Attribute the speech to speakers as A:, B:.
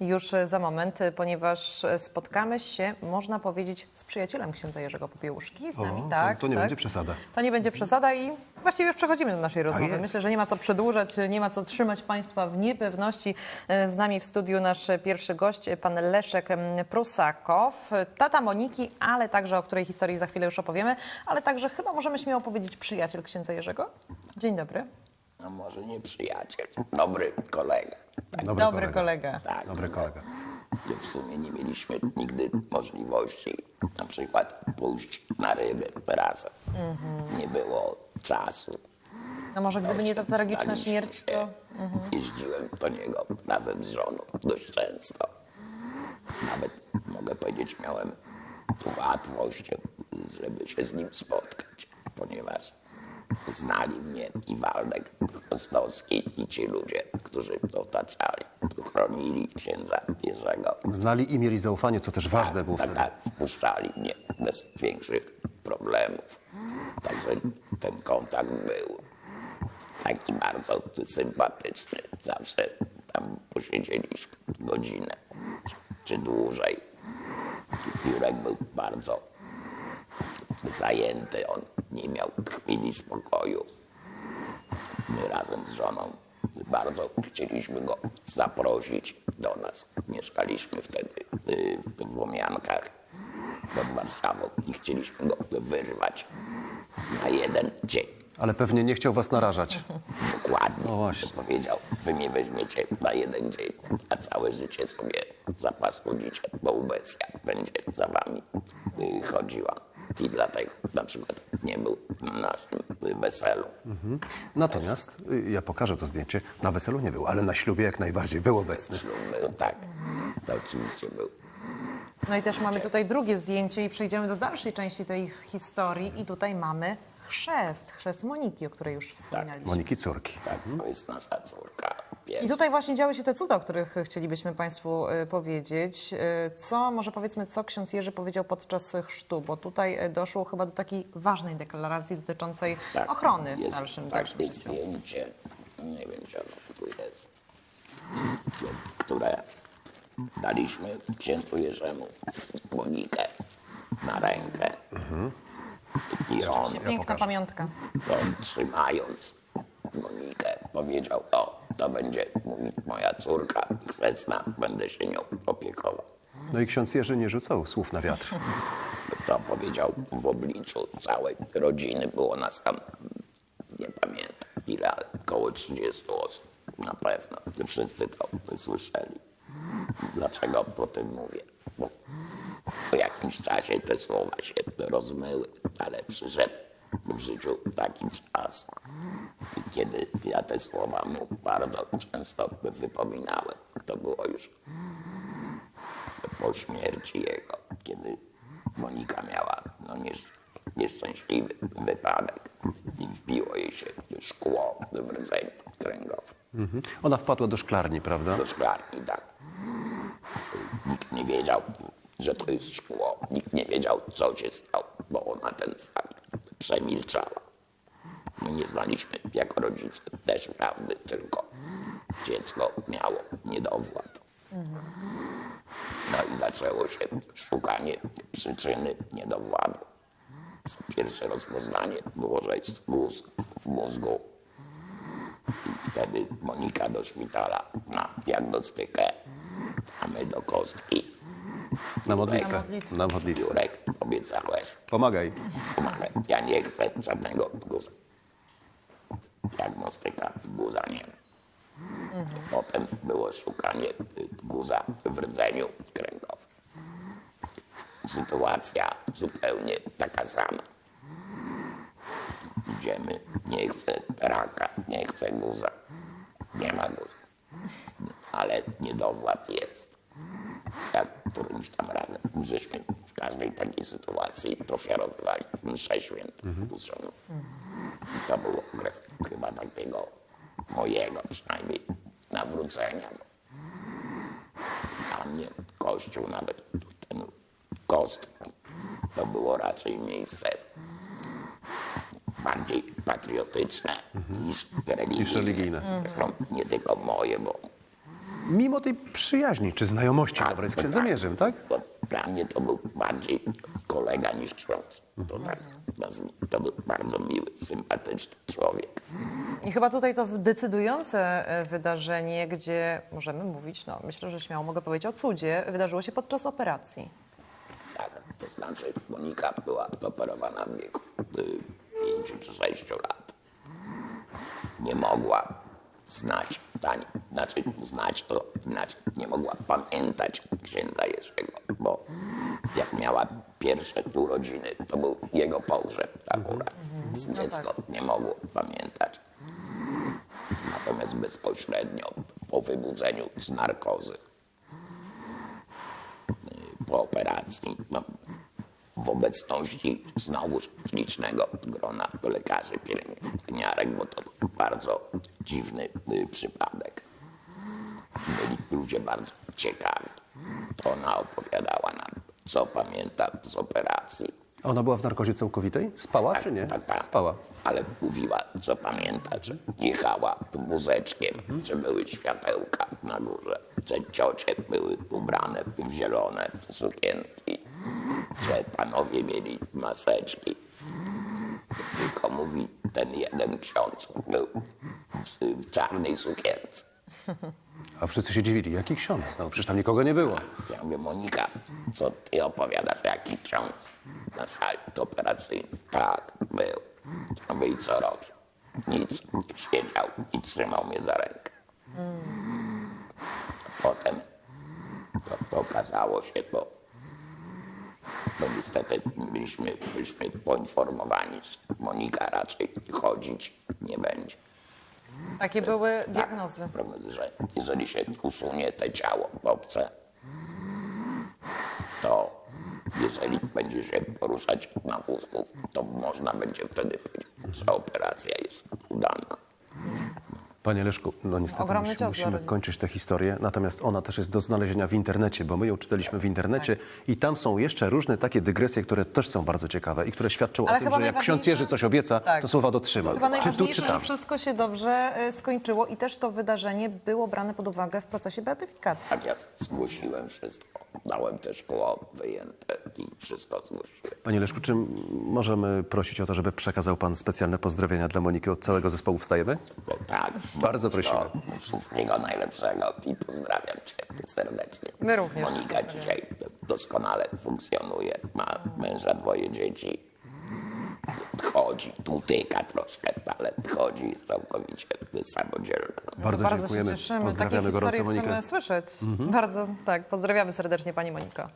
A: już za moment, ponieważ spotkamy się, można powiedzieć, z przyjacielem księdza Jerzego Popiełuszki. Z nami, tak.
B: To nie
A: tak.
B: będzie przesada.
A: To nie będzie przesada i właściwie już przechodzimy do naszej rozmowy.
B: jest.
A: Myślę, że nie ma co przedłużać, nie ma co trzymać Państwa w niepewności. Z nami w studiu nasz pierwszy gość, pan Leszek Prusakow, tata Moniki, ale także, o której historii za chwilę już opowiemy, ale także chyba możemy śmiało powiedzieć przyjaciel księdza Jerzego. Dzień dobry.
C: No może nie przyjaciel, dobry kolega. Tak,
A: Dobry kolega.
C: tak.
B: Dobry kolega.
C: W sumie nie mieliśmy nigdy możliwości na przykład pójść na ryby razem. Nie było czasu.
A: No może gdyby nie ta tragiczna
C: Znaliśmy
A: śmierć,
C: się.
A: to...
C: Jeździłem do niego razem z żoną dość często. Nawet mogę powiedzieć, miałem łatwość, żeby się z nim spotkać, ponieważ znali mnie i Waldek Chostowski i ci ludzie, którzy otaczali, chronili księdza Jerzego.
B: Znali i mieli zaufanie, co też ważne było wtedy.
C: Tak, wpuszczali mnie bez większych problemów. Także ten kontakt był taki bardzo sympatyczny. Zawsze tam posiedzieliśmy godzinę czy dłużej. Jurek był bardzo zajęty, on nie miał chwili spokoju. My razem z żoną bardzo chcieliśmy go zaprosić do nas. Mieszkaliśmy wtedy w Łomiankach pod Warszawą i chcieliśmy go wyrwać na jeden dzień.
B: Ale pewnie nie chciał was narażać.
C: Dokładnie.
B: No właśnie.
C: Powiedział, wy mnie weźmiecie na jeden dzień, a całe życie sobie zapaskudzicie, bo ubecja będzie za wami chodziła. I dlatego na przykład nie był na naszym weselu.
B: Natomiast, ja pokażę to zdjęcie, na weselu nie był, ale na ślubie jak najbardziej był obecny.
C: Był, tak, to oczywiście był.
A: No i też mamy tutaj drugie zdjęcie i przejdziemy do dalszej części tej historii i tutaj mamy chrzest Moniki, o której już wspominaliśmy.
B: Moniki córki.
C: Tak, to jest nasza córka.
A: I tutaj właśnie działy się te cuda, o których chcielibyśmy Państwu powiedzieć. Może powiedzmy, co ksiądz Jerzy powiedział podczas chrztu, bo tutaj doszło chyba do takiej ważnej deklaracji dotyczącej ochrony w
C: jest
A: dalszym
C: takie
A: życiu.
C: zdjęcie, nie wiem, czy ono tu jest, które daliśmy księdzu Jerzemu Monikę na rękę. I on,
A: Piękna pamiątka.
C: trzymając Monikę, powiedział, to będzie moja córka chrzestna, będę się nią opiekował.
B: No i ksiądz Jerzy nie rzucał słów na wiatr.
C: To powiedział w obliczu całej rodziny. Było nas tam, nie pamiętam ile, ale około 30 osób. Na pewno. Wszyscy to słyszeli. Dlaczego o tym mówię? Bo po jakimś czasie te słowa się rozmyły, ale przyszedł w życiu taki czas, kiedy ja te słowa mu bardzo często wypominałem. To było już po śmierci jego, kiedy Monika miała nieszczęśliwy wypadek i wbiło jej się szkło w rdzeniu kręgowym.
B: Ona wpadła do szklarni, prawda?
C: Do szklarni, tak. Nikt nie wiedział, że to jest szkło. Nikt nie wiedział, co się stało, bo ona ten fakt przemilczała. My nie znaliśmy jako rodzice też prawdy, tylko dziecko miało niedowład. No i zaczęło się szukanie przyczyny niedowładu. Pierwsze rozpoznanie było, że jest guz w mózgu. I wtedy Monika do szpitala na diagnostykę, a my do kostki.
B: Na modlitwę.
A: modlitwę.
B: Na modlitwę.
C: Jurek, obiecałeś,
B: Pomagaj.
C: pomagaj. Ja nie chcę żadnego guza. Diagnostyka guza nie ma. Potem było szukanie guza w rdzeniu kręgowym. Sytuacja zupełnie taka sama. Idziemy, nie chcę raka, nie chcę guza. Nie ma guza. Ale niedowład jest. Jak którymś tam razem, żeśmy w każdej takiej sytuacji ofiarowywali mszę świętą z żoną. I to był okres chyba takiego mojego przynajmniej nawrócenia. Bo dla mnie Kościół, nawet ten kostka, to było raczej miejsce bardziej patriotyczne niż religijne.
B: Niż religijne.
C: Zresztą nie tylko moje, bo
B: Mimo tej przyjaźni czy znajomości dobrej z księdzem Jerzym, tak?
C: Bo dla mnie to był bardziej kolega niż ksiądz. To był bardzo miły, sympatyczny człowiek.
A: I chyba tutaj to decydujące wydarzenie, gdzie możemy mówić, no myślę, że śmiało mogę powiedzieć o cudzie, wydarzyło się podczas operacji.
C: Tak, to znaczy Monika była operowana w wieku 5 czy 6 lat. Nie mogła znać, nie mogła pamiętać księdza Jerzego, bo jak miała pierwsze urodziny, to był jego pogrzeb akurat. Dziecko nie mogło pamiętać. Natomiast bezpośrednio po wybudzeniu z narkozy, po operacji, w obecności znowuż licznego grona lekarzy, pielęgniarek, bo to był bardzo dziwny przypadek. Byli ludzie bardzo ciekawi. Ona opowiadała nam, co pamięta z operacji.
B: Ona była w narkozie całkowitej? Spała czy nie?
C: Tak.
B: Spała.
C: Ale mówiła, co pamięta, że jechała wózeczkiem, że były światełka na górze, że ciocie były ubrane w zielone sukienki, że panowie mieli maseczki. Tylko mówi, ten jeden ksiądz był w czarnej sukience.
B: A wszyscy się dziwili. Jaki ksiądz? No przecież tam nikogo nie było.
C: Ja mówię, Monika, co ty opowiadasz, jaki ksiądz na sali operacyjnej? Tak, był. Ja mówię, i co robił? Nic. Siedział i trzymał mnie za rękę. Potem to okazało się, bo niestety byliśmy poinformowani, że Monika raczej chodzić nie będzie.
A: Takie były diagnozy.
C: Prawda, że jeżeli się usunie te ciało obce, to jeżeli będzie się poruszać na wózku, to można będzie wtedy powiedzieć, że operacja jest udana.
B: Panie Leszku, no niestety
A: Ogromny cios dla
B: musimy
A: rodziców.
B: kończyć tę historię, natomiast ona też jest do znalezienia w internecie, bo my ją czytaliśmy w internecie i tam są jeszcze różne takie dygresje, które też są bardzo ciekawe i które świadczą
A: Ale
B: o tym,
A: chyba
B: że jak ksiądz
A: najważniejsze-
B: Jerzy coś obieca,
A: Tak.
B: to słowa dotrzyma.
A: Chyba
B: Czy tu,
A: najważniejsze,
B: czy
A: że
B: tam.
A: wszystko się dobrze skończyło i też to wydarzenie było brane pod uwagę w procesie beatyfikacji.
C: Tak, ja zgłosiłem wszystko. Dałem też szkło wyjęte i wszystko zgłosiłem.
B: Panie Leszku, czy możemy prosić o to, żeby przekazał pan specjalne pozdrowienia dla Moniki od całego zespołu Wstajemy?
C: Bo tak.
B: Bardzo prosimy.
C: Wszystkiego najlepszego i pozdrawiam cię serdecznie.
A: My również
C: Monika dzisiaj doskonale funkcjonuje. Ma męża, 2 dzieci. Chodzi, tu tyka troszkę, ale chodzi, jest całkowicie samodzielna.
B: Bardzo
A: Bardzo się
B: dziękujemy.
A: cieszymy. Takie
B: Pozdrawiamy
A: historie
B: gorąco Monikę.
A: chcemy słyszeć. Bardzo, tak. Pozdrawiamy serdecznie Pani Moniko.